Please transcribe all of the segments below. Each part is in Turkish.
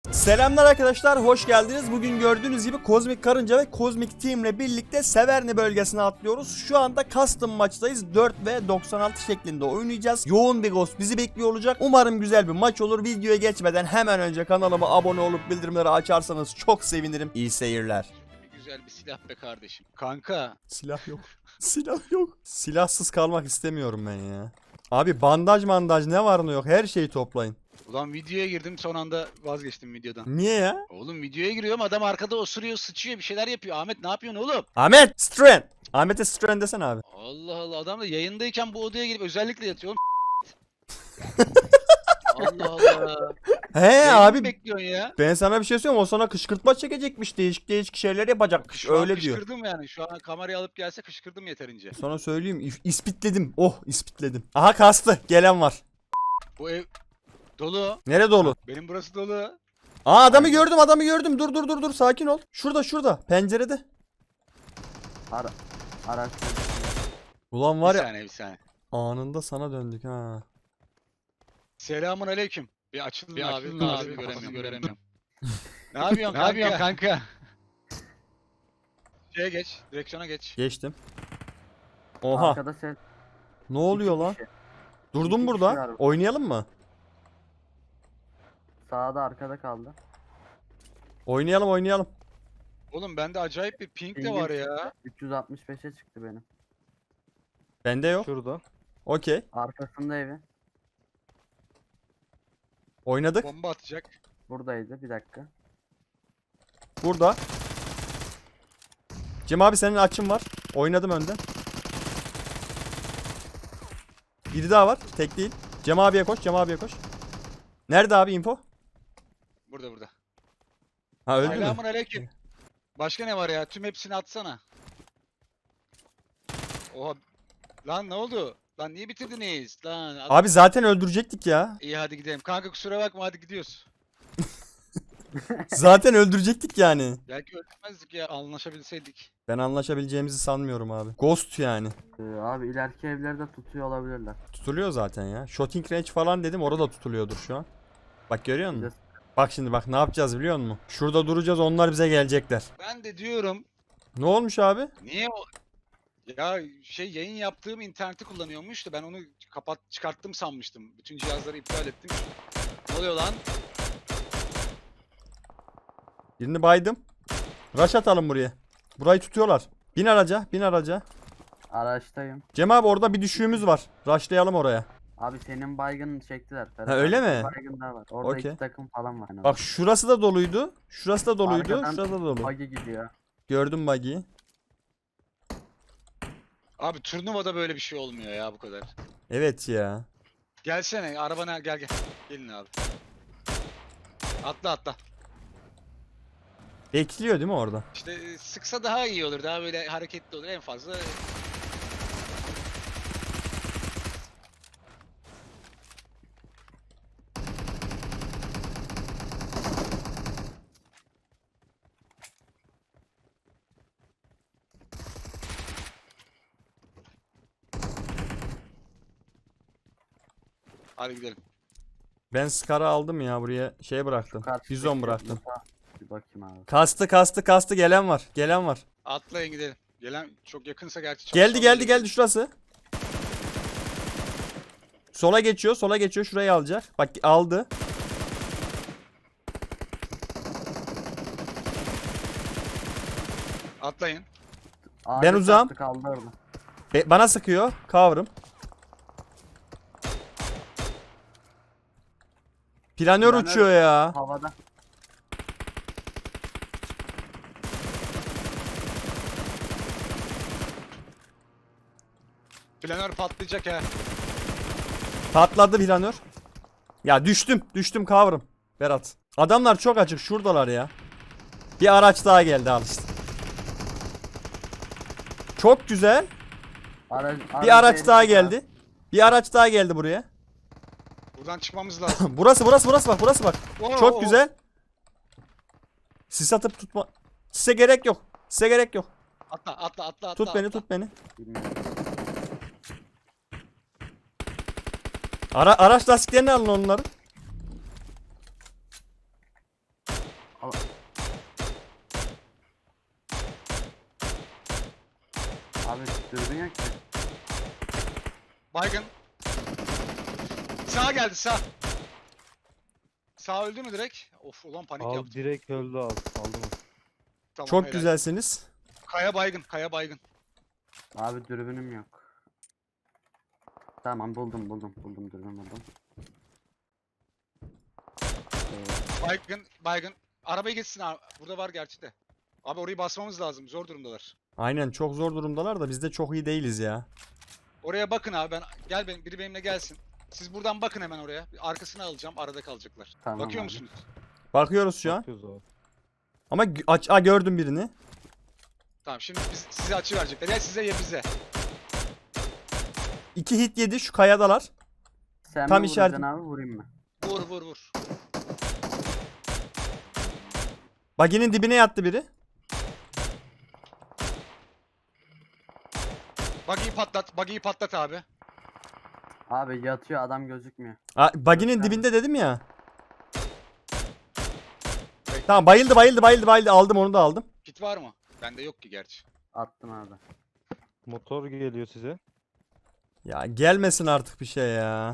Selamlar arkadaşlar, hoş geldiniz. Bugün gördüğünüz gibi Kozmik Karınca ve Kozmik Team ile birlikte Severny bölgesine atlıyoruz. Şu anda custom maçtayız. 4 ve 96 şeklinde oynayacağız. Yoğun bir ghost bizi bekliyor olacak. Umarım güzel bir maç olur. Videoya geçmeden hemen önce kanalıma abone olup bildirimleri açarsanız çok sevinirim. İyi seyirler. Güzel bir silah be kardeşim. Kanka. Silah yok. Silah yok. Silahsız kalmak istemiyorum ben ya. Abi bandaj ne var ne yok her şeyi toplayın. Ulan videoya girdim, son anda vazgeçtim videodan. Niye ya? Oğlum videoya giriyorum, adam arkada osuruyor, sıçıyor, bir şeyler yapıyor. Ahmet ne yapıyorsun oğlum? Ahmet Stren. Ahmet'e Stren desene abi. Allah Allah, adam da yayındayken bu odaya girip özellikle yatıyor oğlum. Allah Allah. He Yayını mı abi bekliyorsun ya? ben sana bir şey söyleyeyim, o sana kışkırtma çekecekmiş, değişik şeyler yapacakmış, Şu an öyle diyor. kışkırdım yani. Şu an kamerayı alıp gelse kışkırdım yeterince. Sana söyleyeyim, ispitledim. Oh, ispitledim. Aha kastı, gelen var. Bu ev dolu. Nere dolu? Benim burası dolu. Aa adamı gördüm. Dur sakin ol. Şurada pencerede. Araç. Ulan var Bir ya, saniye, bir saniye. anında sana döndük ha. Selamun aleyküm. Bir açılın Bir abi, açılın abi, abi, göremiyorum. Ne yapıyorsun kanka? Şeye geç, direksiyona geç. Geçtim. Oha, Arkada ses. ne oluyor İki lan? kişi. Durdum İki burada. kişi var. Oynayalım mı? Sağda arkada kaldı. Oynayalım. Oğlum bende acayip bir ping de Pingim var ya. 365'e çıktı benim. Bende yok. Şurada. Okey. Arkasında evi. Oynadık. Bomba atacak. Buradaydı, bir dakika. Burada. Cem abi senin açın var. Oynadım önden. Biri daha var. Tek değil. Cem abiye koş. Nerede abi info? Burada. Ha öldü mü? Selamun aleyküm. Başka ne var ya? Tüm hepsini atsana. Oha. Lan ne oldu? Lan niye bitirdiniz? Lan. Abi zaten öldürecektik ya. İyi hadi gidelim. Kanka kusura bakma, hadi gidiyoruz. Zaten öldürecektik yani. Belki öldürmezdik ya, anlaşabilseydik. Ben anlaşabileceğimizi sanmıyorum abi. Ghost yani. Abi ileriki evlerde tutuyor olabilirler. Tutuluyor zaten ya. Shooting range falan dedim, orada tutuluyordur şu an. Bak görüyor musun? Bir de Bak şimdi bak ne yapacağız biliyor musun? Şurada duracağız, onlar bize gelecekler. Ben de diyorum, Ne olmuş abi? niye o... Ya yayın yaptığım interneti kullanıyormuş da ben onu çıkarttım sanmıştım. Bütün cihazları iptal ettim. Ne oluyor lan? Birini baydım. Rush atalım buraya. Burayı tutuyorlar. Bin araca. araçtayım. Cem abi orada bir düşüğümüz var. Rushlayalım oraya. Abi senin baygını çektiler. Ha, öyle abi, mi? Baygın daha var. Orada Okey. iki takım falan var. Bak şurası da doluydu. Arkadan Şurası da dolu. Buggy gidiyor. Gördüm buggy'yi. Abi turnuvada böyle bir şey olmuyor ya, bu kadar. Evet ya. Gelsene arabana, gel. Gelin abi. Atla. Bekliyor değil mi orada? İşte sıksa daha iyi olur. Daha böyle hareketli olur en fazla. Hadi gidelim. Ben Scar'ı aldım ya, buraya şey bıraktım. Karşıdaki Bizon bıraktım. yatağa Bir bakayım abi. Kastı gelen var. Atlayın gidelim. Gelen çok yakınsa gerçi çok Geldi şurası. Sola geçiyor şurayı alacak. Bak aldı. Atlayın. Ağaca uzağım. çarptı, kaldı orada. Bana sıkıyor. Cover'ım. Planör uçuyor ya. Havada. Planör patlayacak ha. Patladı planör. Ya düştüm cover'ım. Berat. Adamlar çok açık, şuradalar ya. Bir araç daha geldi al işte. Çok güzel. Bir araç daha geldi. Bir araç daha geldi buraya. Buradan çıkmamız lazım. Burası bak. Oo, Çok güzel. Sis atıp tutma. Size gerek yok. Atla. Tut atla. beni. Bilmiyorum. Araç lastiklerini alın onları. Al. Abi dürbün yok ki. Baygın. Sağ geldi sağ. Sağ öldü mü direkt? Of ulan panik Al yaptım. direkt öldü abi. Aldım. Tamam, Çok helal. güzelsiniz. Kaya baygın, kaya baygın. Abi dürbünüm yok. Tamam buldum dürbün buldum. Baygın, baygın. Arabayı geçsin abi. Burada var gerçi de. Abi orayı basmamız lazım. Zor durumdalar. Aynen çok zor durumdalar da biz de çok iyi değiliz ya. Oraya bakın abi. Biri benimle gelsin. Siz buradan bakın hemen oraya. Arkasını alacağım. Arada kalacaklar. Tamam Bakıyor abi. musunuz? Bakıyoruz şu an. Bakıyoruz abi. Ama gördüm birini. Tamam şimdi size açı verecekler. Ya size ya bize. 2 hit yedi şu kayadalar. Sen Tam mi işaret- vuracaksın abi vurayım mı? Vur vur vur. Baginin dibine yattı biri. Buggy'yi patlat abi. Abi yatıyor adam gözükmüyor. Baginin Göster. dibinde dedim ya. Bekle. Tamam bayıldı. Aldım onu da aldım. Kit var mı? Bende yok ki gerçi. Attım abi. Motor geliyor size. Ya gelmesin artık bir şey ya.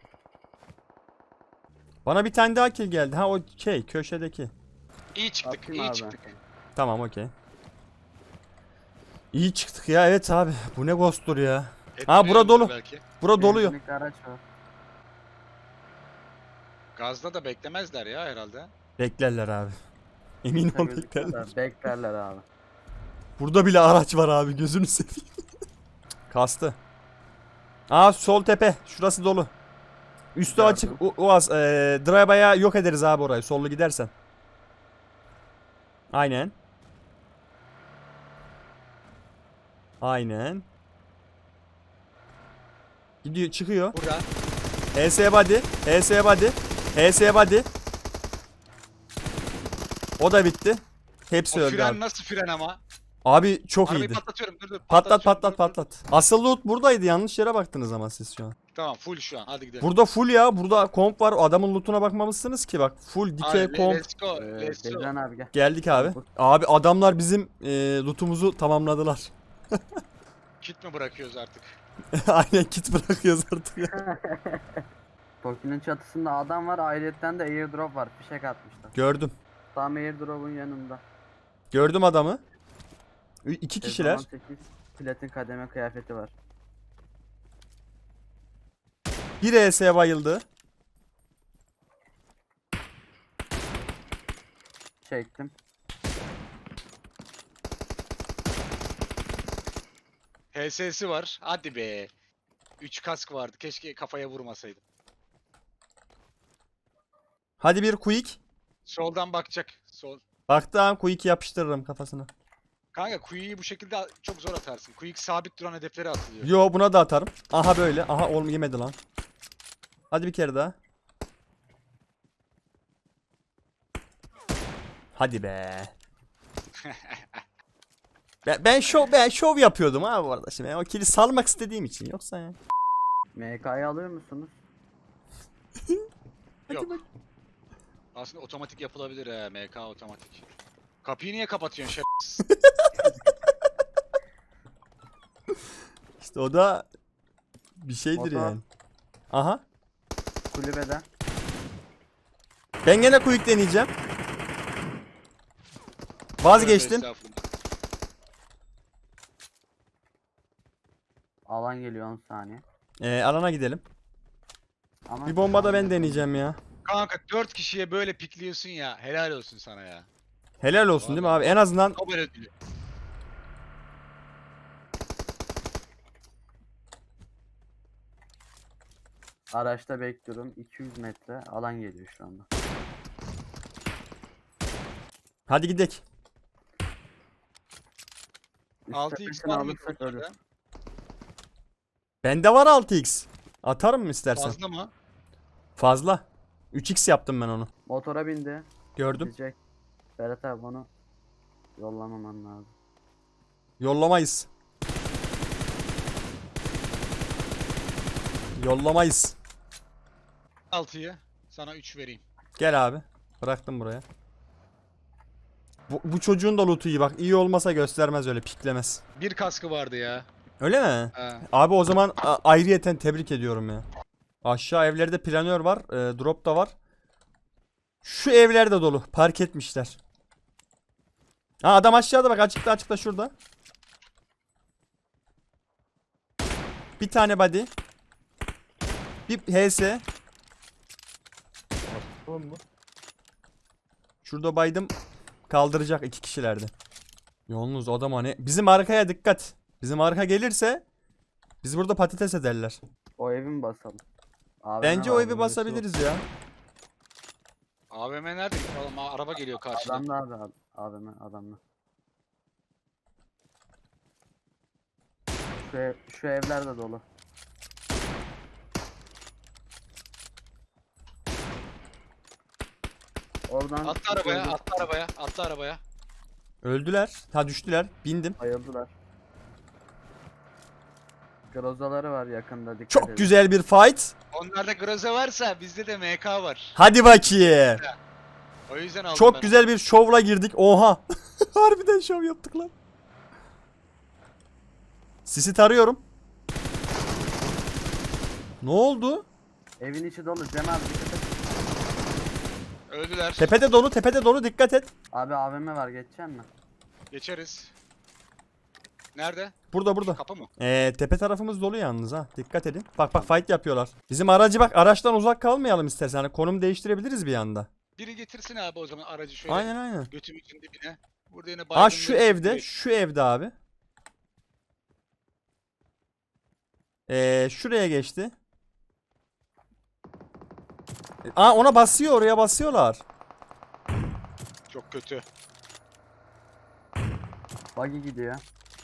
Bana bir tane daha kill geldi. Ha o köşedeki. İyi çıktık, Atayım iyi abi. çıktık. Tamam okey. İyi çıktık ya evet abi. Bu ne ghost'tur ya. Ha, bura dolu. Belki. Bura doluyor. Benzinlikli araç var. Gazda da beklemezler ya herhalde. Beklerler abi. Emin ol Gözüküyor beklerler. da Beklerler abi. Burada bile araç var abi gözünü seveyim. Kastı. Aa sol tepe. Şurası dolu. Üstü Gördüm. açık. Uaz. Drive'a yok ederiz abi orayı. Sollu gidersen. Aynen. Aynen. Gidiyor çıkıyor. Burada. HS body. HS body. HS body. O da bitti. Hepsi O öldü fren abi. nasıl fren ama? Abi çok Arabayı iyiydi. patlatıyorum. Dur. Patlat patlatıyorum, patlat dur. patlat. Asıl loot buradaydı. Yanlış yere baktınız ama siz şu an. Tamam full şu an. Hadi gidelim. Burada full ya. Burada komp var. Adamın lootuna bakmamışsınız ki bak. Full dikey Hadi, komp. let's go. Let's go. Bezden abi gel. Geldik abi. Abi adamlar bizim lootumuzu tamamladılar. Kit mi bırakıyoruz artık? Aynen kit bırakıyoruz artık ya. Toki'nin çatısında adam var. Ayrıyetten de airdrop var. Fişek atmışlar. Gördüm. Tam airdrop'un yanında. Gördüm adamı. 2 kişiler. 8 platin kademe kıyafeti var. Bir ES'ye bayıldı. Çektim. HS'si var. Hadi be. 3 kask vardı. Keşke kafaya vurmasaydım. Hadi bir quick. Soldan bakacak. Sol. Baktım quick yapıştırırım kafasına. Kanka Quicky'yi bu şekilde çok zor atarsın. Quick sabit duran hedeflere atılıyor. Yo buna da atarım. Aha böyle. Aha oğlum yemedi lan. Hadi bir kere daha. Hadi be. Ben şov yapıyordum ha bu arada şimdi. Ben o kili salmak istediğim için yoksa ya. MK'yı alıyor musunuz? Yok. Aslında otomatik yapılabilir he. MK otomatik. Kapıyı niye kapatıyorsun şerefsiz? İşte o da bir şeydir Motor. yani. Aha. Kulübede. Ben gene quick deneyeceğim. Vazgeçtim. Estağfurullah. Alan geliyor 10 saniye. Alana gidelim. Ama Bir bomba da ben deneyeceğim ya. Kanka 4 kişiye böyle pikliyorsun ya. Helal olsun sana ya. Helal olsun değil mi abi? En azından Nobel ödülü. Araçta bekliyorum. 200 metre alan geliyor şu anda. hadi gidelim. Üst 6x tepesini var mı? alırsak ölür. Bende var 6x. Atarım mı istersen? Fazla mı? Fazla. 3x yaptım ben onu. Motora bindi. Gördüm. Gidecek. Berat abi onu yollamaman lazım. Yollamayız. Yollamayız. 6'yı sana 3 vereyim. Gel abi. Bıraktım buraya. Bu çocuğun da loot'u iyi bak. İyi olmasa göstermez öyle piklemez. Bir kaskı vardı ya. Öyle mi? Ha. Abi o zaman ayrıyeten tebrik ediyorum ya. Aşağı evlerde planör var. Drop da var. Şu evler de dolu. Park etmişler. Ha adam aşağıda bak, açıkta şurada. Bir tane body. Bir HS. Tamam mı? Şurada baydım. Kaldıracak 2 kişilerdi. Yalnız adam hani. Bizim arkaya dikkat. Bizim arka gelirse biz burada patates ederler. O evi mi basalım? AVM Bence o var. evi basabiliriz ya. AVM nerede? Oğlum, araba geliyor karşıdan. Adamla abi. AVM adamla. Şu evler de dolu. Oradan Attı arabaya, attı arabaya, attı arabaya. Öldüler. Ha düştüler. Bindim. bayıldılar. Grozaları var yakında, dikkat Çok edin. güzel bir fight. Onlarda Groza varsa bizde de MK var. Hadi bakayım. O yüzden aldım Çok ben. güzel bir şovla girdik. Oha. Harbiden şov yaptık lan. Sisi tarıyorum. Ne oldu? Evin içi dolu. Cem abi dikkat et. Öldüler. Tepede dolu dikkat et. Abi AVM var, geçeceksin mi? Geçeriz. Nerede? Burada. Kapı mı? Tepe tarafımız dolu yalnız ha. Dikkat edin. Bak fight yapıyorlar. Bizim aracı bak, araçtan uzak kalmayalım istersen. Hani konum değiştirebiliriz bir anda. Biri getirsin abi o zaman aracı şöyle. Aynen. Götümüzün dibine. Burada yine Aa şu baygınları evde. tutuyor. Şu evde abi. Şuraya geçti. Aa ona basıyor, oraya basıyorlar. Çok kötü. Buggy gidiyor.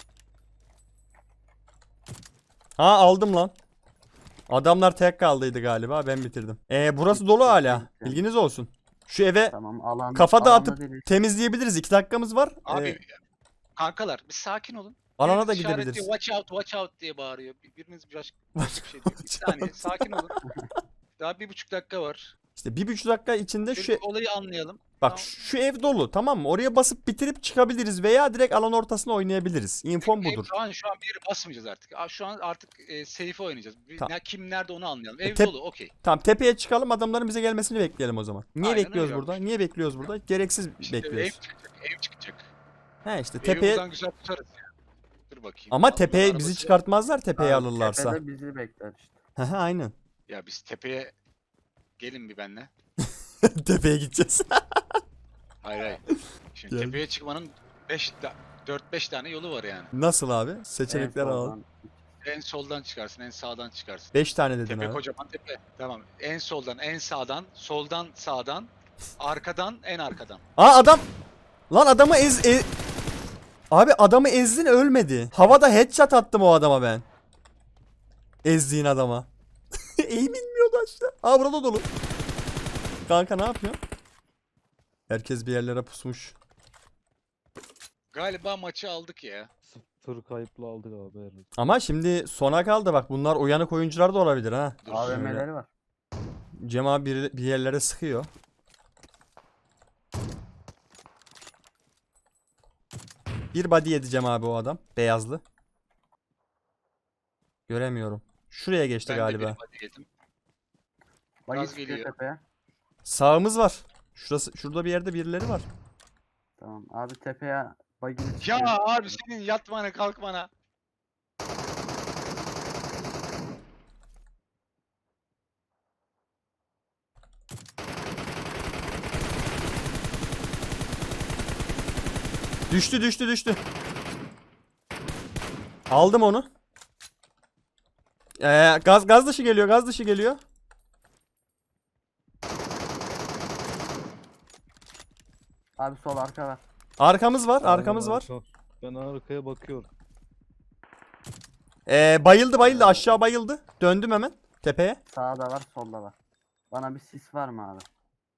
Ha aldım lan. Adamlar tek kaldıydı galiba, ben bitirdim. Burası dolu hala. Bilginiz olsun. Şu eve Tamam, alan. kafa alanda dağıtıp değiliz. temizleyebiliriz. 2 dakikamız var. Abi kankalar bir sakin olun. Alana Biriniz da işaretliyor, gidebiliriz. Watch out diye bağırıyor. Biriniz başka bir şey diyor. Bir saniye sakin olun. Daha 1,5 dakika var. İşte 1,5 dakika içinde Şu şu olayı anlayalım. bak Tamam. şu ev dolu, tamam mı? Oraya basıp bitirip çıkabiliriz veya direkt alan ortasına oynayabiliriz. İnfom budur. Şu an bir yere basmayacağız artık. Şu an artık safe oynayacağız. Tamam. Kim nerede onu anlayalım. Ev Tep- dolu, okey. Tamam, tepeye çıkalım, adamların bize gelmesini bekleyelim o zaman. Niye Aynen bekliyoruz öyle burada? olmuş. Niye bekliyoruz burada? Gereksiz İşte ev bekliyoruz. çıkacak, ev çıkacak. He işte Evi tepeye buradan güzel tutarız ya. Dur bakayım. ama Adamın tepeye arabası bizi yok. çıkartmazlar, tepeye Abi, alırlarsa. Tepede bizi bekler işte. He aynen. Ya biz tepeye gelin bir benle. Tepeye gideceğiz. Hayır. Şimdi Gel. tepeye çıkmanın 4-5 tane yolu var yani. Nasıl abi? Seçenekler En alalım. soldan. En soldan çıkarsın, en sağdan çıkarsın. 5 tane dedin Tepe abi. kocaman tepe. Tamam. En soldan, en sağdan, soldan sağdan, arkadan, en arkadan. Aa adam! Lan adamı Abi adamı ezdin, ölmedi. Havada headshot attım o adama ben. Ezdiğin adama. Eğim inmiyordu aşağı. Aa burada dolu. Kanka ne yapıyorsun? Herkes bir yerlere pusmuş. Galiba maçı aldık ya. 0 kayıpla aldık abi herhalde. Ama şimdi sona kaldı bak, bunlar uyanık oyuncular da olabilir ha. Dur. AVM'leri var. Cem abi bir yerlere sıkıyor. Bir body yedi Cem abi o adam. Beyazlı. Göremiyorum. Şuraya geçti Ben de galiba. bir body yedim. Buggy Gaz çıkıyor geliyor. tepeye. Sağımız var. Şurada bir yerde birileri var. Tamam abi, tepeye buggy Ya çıkıyor. abi senin yatmana kalkmana. Düştü. Aldım onu. Gaz dışı geliyor. Abi sol arka var. Arkamız var. Arka. Ben arkaya bakıyorum. Bayıldı aşağı bayıldı. Döndüm hemen tepeye. Sağda var, solda var. Bana bir sis var mı abi?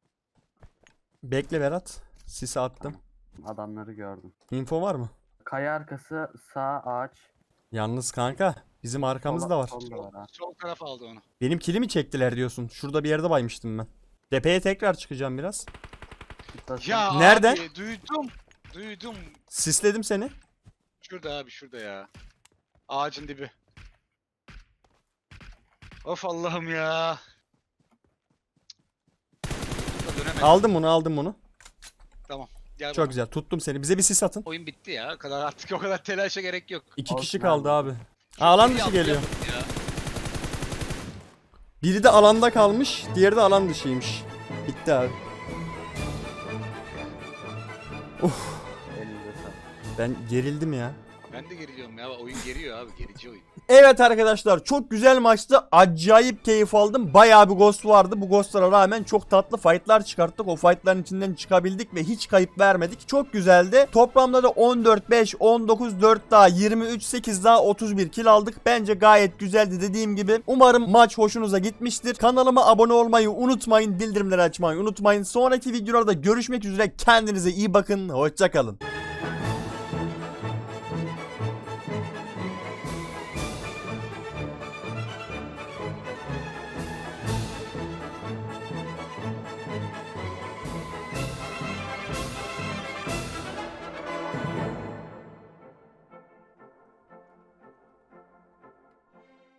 Bekle Berat. Sisi attım. Adamları gördüm. Info var mı? Kaya arkası, sağ ağaç. Yalnız kanka bizim arkamızda var. Solda var ha. Sol taraf aldı onu. Benim kilimi çektiler diyorsun. Şurada bir yerde baymıştım ben. Tepeye tekrar çıkacağım biraz. Tuttasın. Ya Nereden? abi duydum. Duydum. Sisledim seni. Şurada abi, şurada ya. Ağacın dibi. Of Allah'ım ya. Dönemedim. Aldım bunu. Gel Çok bana. güzel. Tuttum seni. Bize bir sis atın. Oyun bitti ya. Artık o kadar telaşa gerek yok. 2 kişi Olsun kaldı abi. abi. Alan dışı geliyor. Biri de alanda kalmış, diğeri de alan dışıymış. Bitti abi. Elinize sağlık. Ben gerildim ya. Ben de geriliyorum ya. Oyun geriyor abi. Gerici oyun. Evet arkadaşlar, çok güzel maçtı. Acayip keyif aldım. Bayağı bir ghost vardı. Bu ghostlara rağmen çok tatlı fightlar çıkarttık. O fightların içinden çıkabildik ve hiç kayıp vermedik. Çok güzeldi. Toplamda da 14-5, 19-4 daha, 23-8 daha 31 kill aldık. Bence gayet güzeldi dediğim gibi. Umarım maç hoşunuza gitmiştir. Kanalıma abone olmayı unutmayın. Bildirimleri açmayı unutmayın. Sonraki videolarda görüşmek üzere. Kendinize iyi bakın. Hoşça kalın.